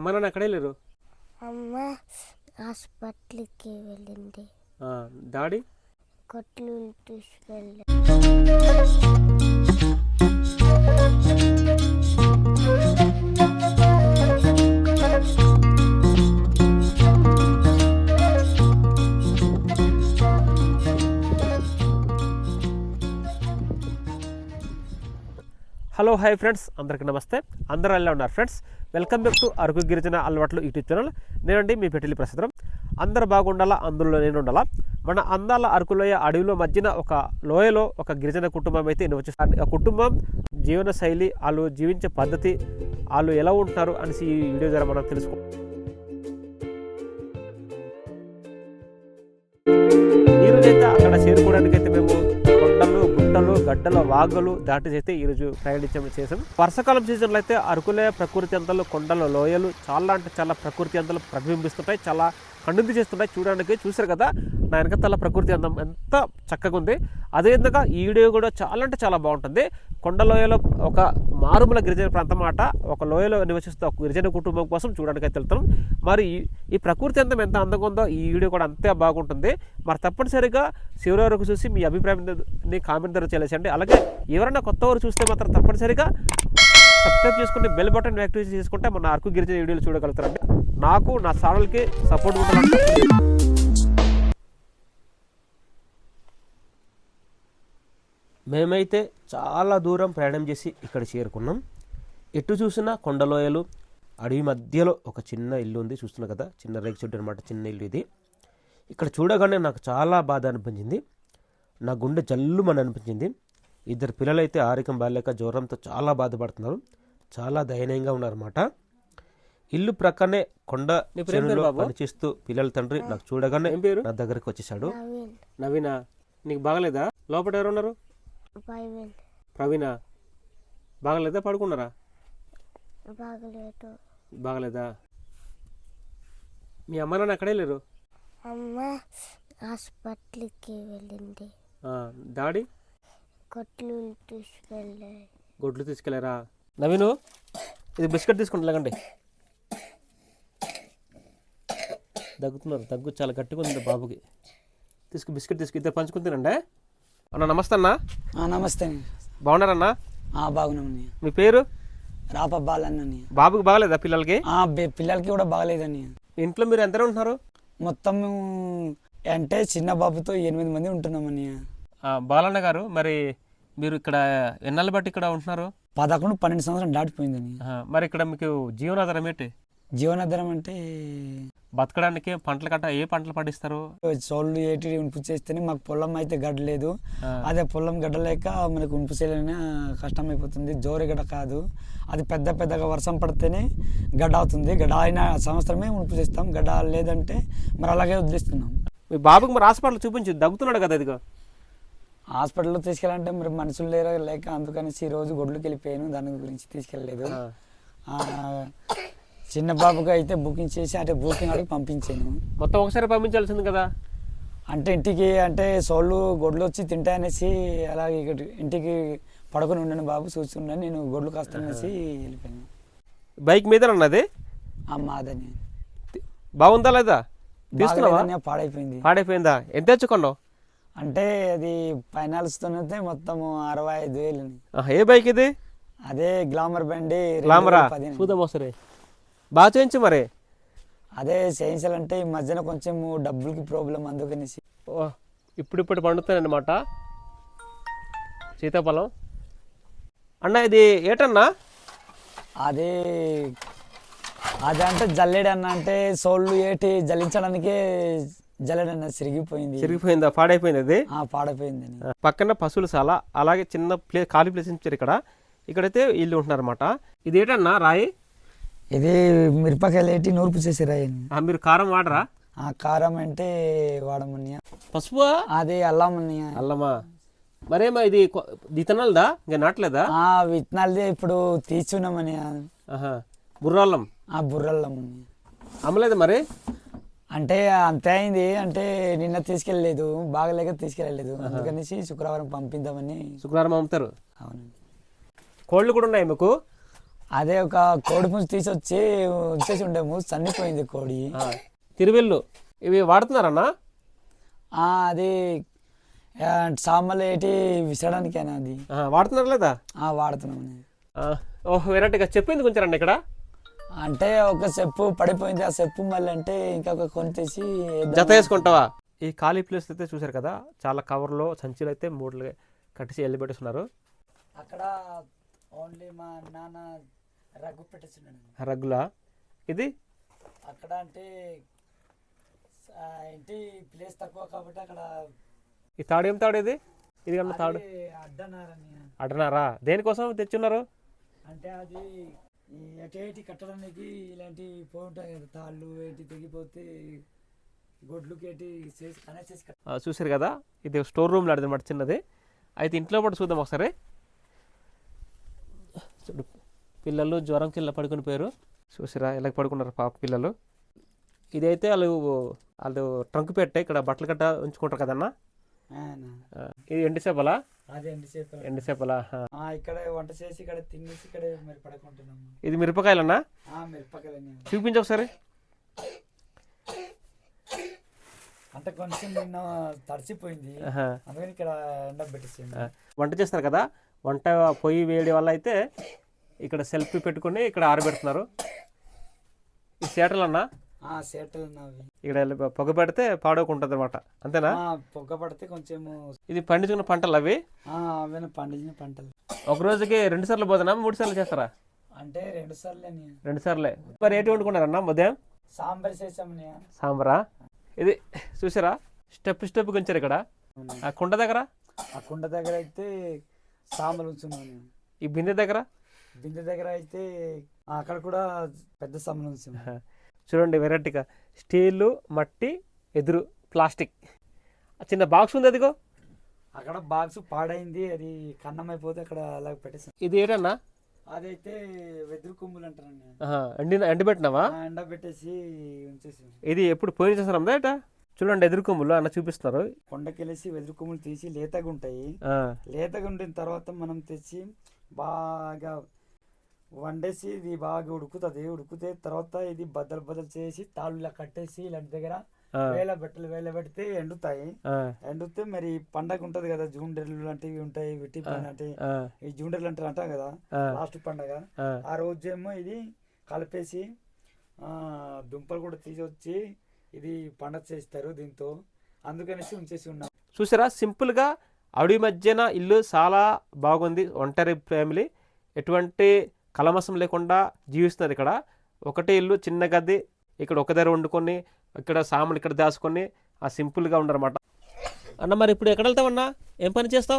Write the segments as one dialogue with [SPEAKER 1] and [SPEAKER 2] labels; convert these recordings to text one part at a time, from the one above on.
[SPEAKER 1] అమ్మ నాన్న ఎక్కడే లేరు?
[SPEAKER 2] అమ్మ హాస్పిటల్కి వెళ్ళింది.
[SPEAKER 1] డాడీ
[SPEAKER 2] కొట్లు తీసుకెళ్ళి.
[SPEAKER 1] హలో హాయ్ ఫ్రెండ్స్, అందరికీ నమస్తే. అందరూ ఎలా ఉన్నారు friends? Welcome back to Araku గిరిజన అలవాట్లు యూట్యూబ్ ఛానల్. నేనండి మీ పెట్టిలి ప్రసాదం. అందరూ బాగుండాలా, అందులో నేను ఉండాలా. మన అందాల అరకులోయ అడవిలో మధ్యన ఒక లోయలో ఒక గిరిజన కుటుంబం అయితే నివసిస్తుంది. ఆ కుటుంబం జీవన శైలి, వాళ్ళు జీవించే పద్ధతి, వాళ్ళు ఎలా ఉంటున్నారు అనేసి ఈ వీడియో ద్వారా మనం తెలుసుకో. ఈరోజైతే అక్కడ చేరుకోవడానికి అయితే మేము కొండలు, గుట్టలు, గడ్డల, వాగులు దాటి అయితే ఈరోజు చేసాం. వర్షాకాలం సీజన్లో అయితే అరకులే ప్రకృతి అంతలు, కొండలు, లోయలు చాలా అంటే చాలా ప్రకృతి అంతలు ప్రతిబింబిస్తుంటాయి. చాలా కనుంది చేస్తుంటాయి. చూసారు కదా నా వెనకతల ప్రకృతి అందం ఎంత చక్కగా ఉంది. అదేవిధంగా ఈ వీడియో కూడా చాలా అంటే చాలా బాగుంటుంది. కొండ లోయలో ఒక మారుమూల గిరిజన ప్రాంతం మాట, ఒక లోయలో నివసిస్తూ ఒక గిరిజన కుటుంబం కోసం చూడడానికి అయితే వెళ్తాం. మరి ఈ ప్రకృతి అందం ఎంత అందంగా ఉందో ఈ వీడియో కూడా అంతే బాగుంటుంది. మరి తప్పనిసరిగా చివరి వరకు చూసి మీ అభిప్రాయాన్ని కామెంట్ ద్వారా తెలియజేయండి. అలాగే ఎవరైనా కొత్త వారు చూస్తే మాత్రం తప్పనిసరిగా సబ్స్క్రైబ్ చేసుకుని బెల్ బటన్ యాక్టివేట్ చేసుకుంటే మన అరకు గిరిజన వీడియోలు చూడగలుగుతారండి. నాకు నా ఛానల్కి సపోర్ట్ ఉండాలంటే మేమైతే చాలా దూరం ప్రయాణం చేసి ఇక్కడ చేరుకున్నాం. ఎటు చూసినా కొండలోయలు, అడవి మధ్యలో ఒక చిన్న ఇల్లు ఉంది. చూస్తున్నా కదా, చిన్న రేకు చెట్టు అనమాట, చిన్న ఇల్లు ఇది. ఇక్కడ చూడగానే నాకు చాలా బాధ అనిపించింది. నా గుండె జల్లుమని అనిపించింది. ఇద్దరు పిల్లలైతే ఆరోగ్యం బాగాలేక జ్వరంతో చాలా బాధపడుతున్నారు. చాలా దయనీయంగా ఉన్నారన్నమాట. ఇల్లు ప్రక్కనే కొండ చెరువులో పనిచేస్తూ పిల్లల తండ్రి నాకు చూడగానే నా దగ్గరికి వచ్చేసాడు. నవీనా, నీకు బాగలేదా? లోపల ఎవరు ఉన్నారు? ప్రవీణ, బాగలేదా? పడుకున్నారా? బాగలేదా? మీ అమ్మ నాన్న ఎక్కడే లేరు?
[SPEAKER 2] అమ్మ హాస్పిటల్కి వెళ్ళింది.
[SPEAKER 1] డాడీ
[SPEAKER 2] కొట్లు తీసుకెళ్ళి.
[SPEAKER 1] గొడ్లు తీసుకెళ్ళారా? నవీను, ఇది బిస్కెట్ తీసుకుంటా, లేకండి దగ్గుతున్నారు. దగ్గు చాలా గట్టిగా ఉంది బాబుకి. బిస్కెట్ తీసుకు, ఇద్దరు పంచుకుని తినండి. అన్న నమస్తే. అన్న
[SPEAKER 3] నమస్తే.
[SPEAKER 1] బాగున్నారన్నా?
[SPEAKER 3] బాగున్నామని.
[SPEAKER 1] మీ పేరు?
[SPEAKER 3] రాపబాలన్న.
[SPEAKER 1] బాబుకి బాగలేదా? పిల్లలకి?
[SPEAKER 3] పిల్లలకి కూడా బాగలేదని.
[SPEAKER 1] ఇంట్లో మీరు ఎంతనే ఉంటున్నారు?
[SPEAKER 3] మొత్తం అంటే చిన్న బాబుతో 8 మంది ఉంటున్నామని.
[SPEAKER 1] బాలన్న గారు, మరి మీరు ఇక్కడ ఎన్నాళ్ళు బట్టి ఇక్కడ ఉంటున్నారు?
[SPEAKER 3] 11-12 సంవత్సరాలు దాటిపోయిందని.
[SPEAKER 1] మరి ఇక్కడ మీకు జీవనాధారం ఏంటి?
[SPEAKER 3] జీవనాధారం అంటే
[SPEAKER 1] బతకడానికి పంటలు కట్ట ఏ పంటలు పండిస్తారు?
[SPEAKER 3] చోళ్ళు ఏటి ఉనుపు చేస్తేనే మాకు పొలం అయితే గడ్డలేదు. అదే పొలం గడ్డలేక మనకు ఉనుపు చేయలేని కష్టం అయిపోతుంది. జోరి గడ్డ కాదు, అది పెద్దగా వర్షం పడితేనే గడ్డ అవుతుంది. గడ్డ అయిన సంవత్సరమే ఉనుపు చేస్తాం. గడ్డ లేదంటే మరి అలాగే వదిలేస్తున్నాం.
[SPEAKER 1] మీ బాబుకి మరి హాస్పిటల్ చూపించి దగ్గుతున్నాడు కదా, ఇదిగో
[SPEAKER 3] హాస్పిటల్లో తీసుకెళ్ళాలంటే మరి మనుషులు లేక అందుకనేసి ఈ రోజు గొడ్లుకి వెళ్ళిపోయాను. దాని గురించి తీసుకెళ్ళలేదు. చిన్న బాబుకి అయితే బుకింగ్ చేసి అంటే బుకింగ్ అడిగి పంపించాను.
[SPEAKER 1] మొత్తం ఒకసారి పంపించాల్సింది కదా.
[SPEAKER 3] అంటే ఇంటికి అంటే సోళ్ళు గొడ్లు వచ్చి తింటాయనేసి అలాగే ఇంటికి పడుకొని ఉండను బాబు, చూస్తున్నాను నేను గొడ్లు కాస్తానేసి వెళ్ళిపోయాను.
[SPEAKER 1] బైక్ మీద ఉన్నది
[SPEAKER 3] మాదని.
[SPEAKER 1] బాగుందా లేదా? తీసుకున్నావా? పాడైపోయిందా? ఎంత తెచ్చుకున్నావు?
[SPEAKER 3] అంటే అది ఫైనాల్స్తోనైతే మొత్తం 65,000.
[SPEAKER 1] ఏ బైక్ ఇది?
[SPEAKER 3] అదే గ్లామర్ బండి.
[SPEAKER 1] గ్లామరా? చూద్దాం సరే. బాగా చేయించు మరి.
[SPEAKER 3] అదే చేయించాలంటే ఈ మధ్యన కొంచెం డబ్బులకి ప్రాబ్లం, అందుకనేసి.
[SPEAKER 1] ఇప్పుడు పండుతానమాట సీతాఫలం. అన్న ఇది ఏటన్నా?
[SPEAKER 3] అదే అంటే జల్లెడన్న, అంటే సోళ్ళు ఏటి జల్లించడానికే జల్లెడన్న
[SPEAKER 1] చిరిగిపోయిందా? పాడైపోయింది అది?
[SPEAKER 3] పాడైపోయింది.
[SPEAKER 1] పక్కన పశువులు చాలా, అలాగే చిన్న ఖాళీ ప్లేస్ ఇచ్చారు. ఇక్కడైతే ఇల్లు ఉంటున్నారన్నమాట. ఇది ఏటన్నా రాయి?
[SPEAKER 3] ఇది మిరపకాయలు ఏటి నూర్పు చేసి రాయండి.
[SPEAKER 1] మీరు కారం వాడరా?
[SPEAKER 3] కారం అంటే వాడమన్నయ్య.
[SPEAKER 1] పసుపు?
[SPEAKER 3] అది అల్లమన్నయ్య.
[SPEAKER 1] అల్లమా? మరేమా ఇది విత్తనాలదా? ఇంకా నాటలేదా?
[SPEAKER 3] విత్తనాలదే ఇప్పుడు తీసుకున్నామన్నయ్య.
[SPEAKER 1] బుర్రల్లం?
[SPEAKER 3] బుర్రల్లం
[SPEAKER 1] అమ్మలేదు మరి?
[SPEAKER 3] అంటే అంతే అయింది. అంటే నిన్న తీసుకెళ్ళలేదు, బాగలేక తీసుకెళ్ళలేదు. అందుకనేసి శుక్రవారం పంపిద్దామని.
[SPEAKER 1] శుక్రవారం అమ్ముతారు?
[SPEAKER 3] అవునండి.
[SPEAKER 1] కోళ్ళు కూడా ఉన్నాయి మీకు?
[SPEAKER 3] అదే ఒక కోడి పుంజు తీసొచ్చి ఉంచేసి ఉండేము, చనిపోయింది కోడి.
[SPEAKER 1] తిరువెల్లు ఇవి వాడుతున్నారన్నా?
[SPEAKER 3] అది సామాన్లు ఏంటి విసరడానికేనా అది?
[SPEAKER 1] వాడుతున్నారు లేదా?
[SPEAKER 3] వాడుతున్నాం.
[SPEAKER 1] ఓహ్ వెరైటీగా చెప్పింది కొంచెం రండి ఇక్కడ.
[SPEAKER 3] అంటే ఒక చెప్పు పడిపోయింది, ఆ చెప్పు మళ్ళీ అంటే ఇంకా కొని తీసి
[SPEAKER 1] జత వేసుకుంటావా? ఈ ఖాళీ ప్లేస్ అయితే చూసారు కదా, చాలా కవర్లో సంచులు అయితే మూటలు కట్టేసి వెళ్ళి పెట్టేస్తున్నారు.
[SPEAKER 3] అక్కడ ఓన్లీ మా నాన్న రగ్గు పెట్టేస్తున్నాడు.
[SPEAKER 1] రగ్గులా ఇది?
[SPEAKER 3] అక్కడ అంటే ఏంటి ప్లేస్ తక్కువ కాబట్టి అక్కడ.
[SPEAKER 1] ఈ తాడు ఏం తాడు ఇది? ఇది కన్నా తాడు అడ్డనారా? దేనికోసం తెచ్చున్నారు?
[SPEAKER 3] అంటే అది ఎటు కట్టడానికి ఇలాంటి పోయి ఉంటాయి కదా, తాళ్ళు ఏంటి తెగిపోతే గొడ్లుకి ఏంటి కనెక్ట్ చేసి
[SPEAKER 1] చూసారు కదా, ఇది స్టోర్ రూమ్ లాంటిది అన్నమాట, చిన్నది. అయితే ఇంట్లో కూడా చూద్దాం ఒకసారి. చూడు, పిల్లలు జ్వరం కింద పడుకుని పోయారు. చూసారా ఎలా పడుకున్నారు పాప పిల్లలు. ఇదైతే వాళ్ళు ట్రంక్ పెట్టే ఇక్కడ బట్టలు గట్ట ఉంచుకుంటారు కదన్నా. ఇది ఎండిసేపలా? ఎండిసేపలా.
[SPEAKER 3] ఇక్కడ వంట చేసి ఇక్కడ తినేసి ఇక్కడ మరి పడుకుంటున్నాము.
[SPEAKER 1] ఇది మిరపకాయలన్నా?
[SPEAKER 3] మిరపకాయలు
[SPEAKER 1] చూపించు ఒకసారి.
[SPEAKER 3] అంటే కొంచెం నిన్న తడిచిపోయింది, అందుకని ఇక్కడ ఎండ పెట్టేసింది.
[SPEAKER 1] వంట చేస్తారు కదా, వంట పొయ్యి వేడి వల్ల అయితే ఇక్కడ సెల్ఫ్ పెట్టుకుని ఇక్కడ ఆరబెడుతున్నారు. ఈ సేటలు అన్నా?
[SPEAKER 3] సేటలు
[SPEAKER 1] ఇక్కడ పొగ పెడితే పాడోకుంటుంది అనమాట, అంతేనా?
[SPEAKER 3] పొగ పడితే కొంచెం. ఇది
[SPEAKER 1] పండించుకున్న పంటలు అవి?
[SPEAKER 3] పండించిన పంటలు.
[SPEAKER 1] ఒక రోజుకి 2 సార్లు పోతున్నా, 3 సార్లు చేస్తారా?
[SPEAKER 3] అంటే 2 సార్లే.
[SPEAKER 1] 2 సార్లే. మరి ఏంటి వండుకున్నారన్నా ఉదయం?
[SPEAKER 3] సాంబార్ చేసాము.
[SPEAKER 1] సాంబారా? ఇది చూసారా, స్టెప్ స్టెప్ ఉంచారు ఇక్కడ. ఆ కుండ దగ్గర?
[SPEAKER 3] ఆ కుండ దగ్గర అయితే సాంబార్ ఉంచున్నాను.
[SPEAKER 1] ఈ బిందె దగ్గర?
[SPEAKER 3] బిందె దగ్గర అయితే అక్కడ కూడా పెద్ద సాంబార్ ఉంచాము.
[SPEAKER 1] చూడండి వెరైటీగా స్టీలు, మట్టి, ఎదురు, ప్లాస్టిక్. చిన్న బాక్స్ ఉంది అదిగో
[SPEAKER 3] అక్కడ. బాక్స్ పాడైంది, అది కన్నం అయిపోతే అక్కడ అలా పెట్టేసాం.
[SPEAKER 1] ఇది ఏంటన్నా?
[SPEAKER 3] అదైతే వెదురు కొమ్ములు అంటారండి.
[SPEAKER 1] ఎండబెట్టినావా?
[SPEAKER 3] ఎండబెట్టేసి ఉంచేసి.
[SPEAKER 1] ఇది ఎప్పుడు పోయిన చేస్తారా ఏట? చూడండి ఎదురు కొమ్ములు అన్న చూపిస్తున్నారు.
[SPEAKER 3] కొండకెళ్ళేసి వెదురు కొమ్ములు తీసి లేతగా ఉంటాయి. లేతగా ఉండిన తర్వాత మనం తెచ్చి బాగా వండేసి ఇది బాగా ఉడుకుతుంది. ఉడికితే తర్వాత ఇది బద్దలు చేసి తాళ్ళు ఇలా కట్టేసి ఇలాంటి దగ్గర వేల పెడితే ఎండుతాయి. ఎండితే మరి పండగ ఉంటది కదా, జూండెర్లు లాంటివి ఉంటాయి, విట్టి అంటే ఈ జూండెర్లు అంటాం కదా, లాస్ట్ పండగ. ఆ రోజేమో ఇది కలిపేసి దుంపలు కూడా తీసుకొచ్చి ఇది పండగ చేస్తారు దీంతో, అందుకనేసి ఉంచేసి ఉన్నాం.
[SPEAKER 1] చూసారా సింపుల్ గా అడవి మధ్యన ఇల్లు చాలా బాగుంది. ఒంటరి ఫ్యామిలీ, ఎటువంటి కలమసం లేకుండా జీవిస్తున్నారు ఇక్కడ. ఒకటే ఇల్లు, చిన్న గది, ఇక్కడ ఒక దగ్గర వండుకొని ఇక్కడ సామాన్లు ఇక్కడ దాచుకొని ఆ సింపుల్గా ఉండరన్నమాట. అన్న మరి ఇప్పుడు ఎక్కడ వెళ్తామన్నా, ఏం పని చేస్తావు?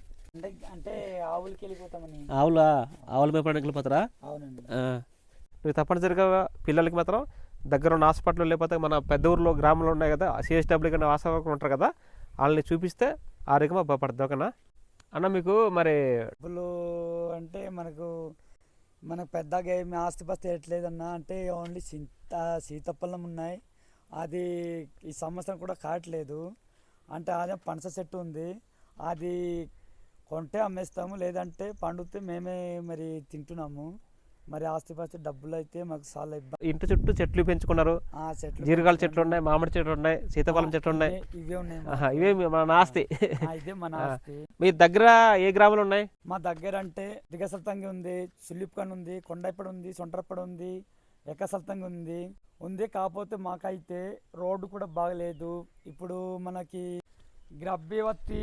[SPEAKER 3] అంటే ఆవులకి వెళ్ళిపోతామని.
[SPEAKER 1] ఆవుల మేపడానికి వెళ్ళిపోతారా?
[SPEAKER 3] అవునండి.
[SPEAKER 1] నువ్వు తప్పనిసరిగా పిల్లలకి మాత్రం దగ్గర ఉన్న హాస్పిటల్ లేకపోతే మన పెద్ద ఊర్లో గ్రామంలో ఉన్నాయి కదా, సిఎస్డబ్ల్యూ కన్నా ఆశావర్కర్లు ఉంటారు కదా, వాళ్ళని చూపిస్తే ఆరోగ్యంగా బాగుపడుతుంది. ఓకేనా అన్న? మీకు మరి
[SPEAKER 3] డబ్బులు అంటే మనకు పెద్దగా ఏమి ఆస్తిపాస్తి వేయట్లేదన్నా. అంటే ఓన్లీ సీతాఫలం ఉన్నాయి, అది ఈ సంవత్సరం కూడా కావట్లేదు. అంటే అదే పనస చెట్టు ఉంది, అది కొంటే అమ్మేస్తాము, లేదంటే పండితే మేమే మరి తింటున్నాము. మరి ఆస్తిపాస్తి డబ్బులు అయితే మాకు చాలా ఇబ్బంది.
[SPEAKER 1] ఇంటి చుట్టూ చెట్లు పెంచుకున్నారు, జీరకాల చెట్లు ఉన్నాయి, మామిడి చెట్లు ఉన్నాయి, సీతాఫలం చెట్లు ఉన్నాయి.
[SPEAKER 3] ఇవే ఉన్నాయి,
[SPEAKER 1] ఇవే మన ఆస్తి.
[SPEAKER 3] ఇదే మన ఆస్తి.
[SPEAKER 1] మీ దగ్గర ఏ గ్రామాలు ఉన్నాయి?
[SPEAKER 3] మా దగ్గర అంటే దిగసల్తంగి ఉంది, సుల్లిప్కన్ ఉంది, కొండైపడి ఉంది, సొంటరపడి ఉంది, ఎక్కసల్తంగి ఉంది. కాకపోతే మాకైతే రోడ్డు కూడా బాగలేదు. ఇప్పుడు మనకి గర్భవతి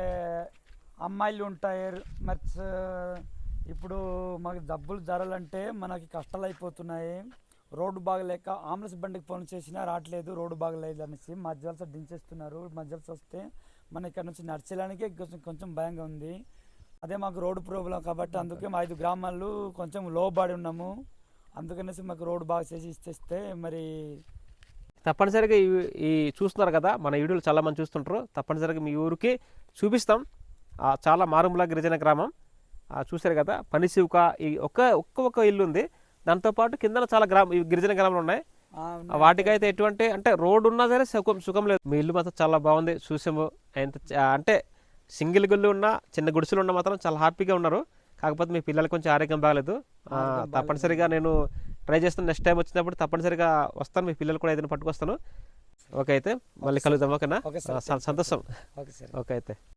[SPEAKER 3] అమ్మాయిలు ఉంటాయి, మరి ఇప్పుడు మాకు జబ్బులు జరాలంటే మనకి కష్టాలు అయిపోతున్నాయి. రోడ్డు బాగలేక ఆంబులెన్స్ బండికి ఫోన్ చేసినా రావట్లేదు, రోడ్డు బాగలేదు అనేసి మధ్యవలస దించేస్తున్నారు. మధ్యవలస వస్తే మన ఇక్కడ నుంచి నడిచేయడానికి కొంచెం భయంగా ఉంది. అదే మాకు రోడ్డు ప్రాబ్లం కాబట్టి అందుకే మా 5 గ్రామాలు కొంచెం లోబడి ఉన్నాము. అందుకనేసి మాకు రోడ్డు బాగా చేసి ఇచ్చేస్తే మరి
[SPEAKER 1] తప్పనిసరిగా ఈ చూస్తున్నారు కదా, మన వీడియోలు చాలామంది చూస్తుంటారు. తప్పనిసరిగా మీ ఊరికి చూపిస్తాం. చాలా మారుమూల గిరిజన గ్రామం చూశారు కదా. పనిశివక ఈ ఒక్క ఇల్లు ఉంది, దాంతోపాటు కింద చాలా గిరిజన గ్రామాలు ఉన్నాయి. వాటికైతే ఎటువంటి అంటే రోడ్డు ఉన్నా సరే సుఖం లేదు. మీ ఇల్లు మాత్రం చాలా బాగుంది, చూసాము. అంటే సింగిల్ గుళ్ళు ఉన్నా, చిన్న గుడిసెలు ఉన్నా మాత్రం చాలా హ్యాపీగా ఉన్నారు. కాకపోతే మీ పిల్లలు కొంచెం ఆరోగ్యం బాగలేదు. తప్పనిసరిగా నేను ట్రై చేస్తాను. నెక్స్ట్ టైం వచ్చినప్పుడు తప్పనిసరిగా వస్తాను, మీ పిల్లలు కూడా ఏదైనా పట్టుకొస్తాను. ఓకే అయితే మళ్ళీ కలుద్దాం. ఓకేనా?
[SPEAKER 3] Okay sir.
[SPEAKER 1] సంతోషం.
[SPEAKER 3] Okay sir.
[SPEAKER 1] ఓకే అయితే.